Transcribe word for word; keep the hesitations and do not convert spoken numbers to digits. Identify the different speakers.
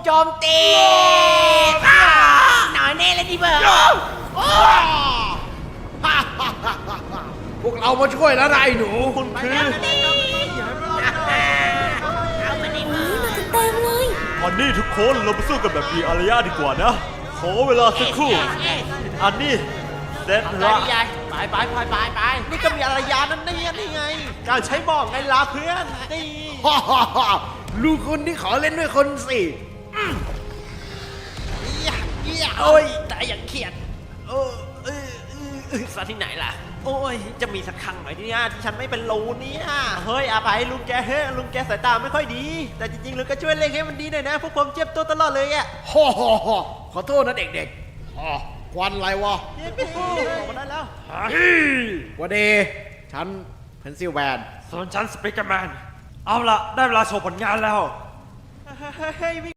Speaker 1: โจมตีหน่อยแน่เลยดิเบอร์
Speaker 2: พวกเรามาช่วยแล้วนะไอ้หนูคุณคือ
Speaker 1: เอามาดิเบอร์
Speaker 3: เต็มเลย
Speaker 4: อันนี้ทุกคนเราไปสู้กันแบบมีอารยะดีกว่านะขอเวลาสักครู่อันนี้เซต
Speaker 1: ไป
Speaker 4: ละ
Speaker 1: ดิยายไปไปไปไปไปนี่ก็มีอารยานั่นนี่นี่ไง
Speaker 4: การใช้บอกไงล่ะเพื่อนนี่
Speaker 2: ลูกคนที่ขอเล่นด้วยคนสิ
Speaker 1: โอ้ยแต่อย่างเขียดเออเออเออเออซะที่ไหนล่ะโอ้ยจะมีสักครั้งไหมเนี่ยที่ฉันไม่เป็นรูเนี่ยเฮ้ยอาไปลุงแกเฮ้ยลุงแกสายตาไม่ค่อยดี แต่จริงๆลุงก็ช่วยเล่นให้มันดีหน่อยนะพวกผมเจ็บตัวตลอดเลยอ่ะ
Speaker 2: ฮ่อฮ่อฮ่อขอโทษนะเด็กๆอ๋อควันอะไรวะ
Speaker 1: เย้พี่ออกมาได้แล้ว
Speaker 2: วันเดฉันเพนซิลแวน
Speaker 4: ส่วนฉันสเปกเกอร์แมนเอาละได้เวลาโชว์ผลงานแล้ว
Speaker 1: เฮ้ย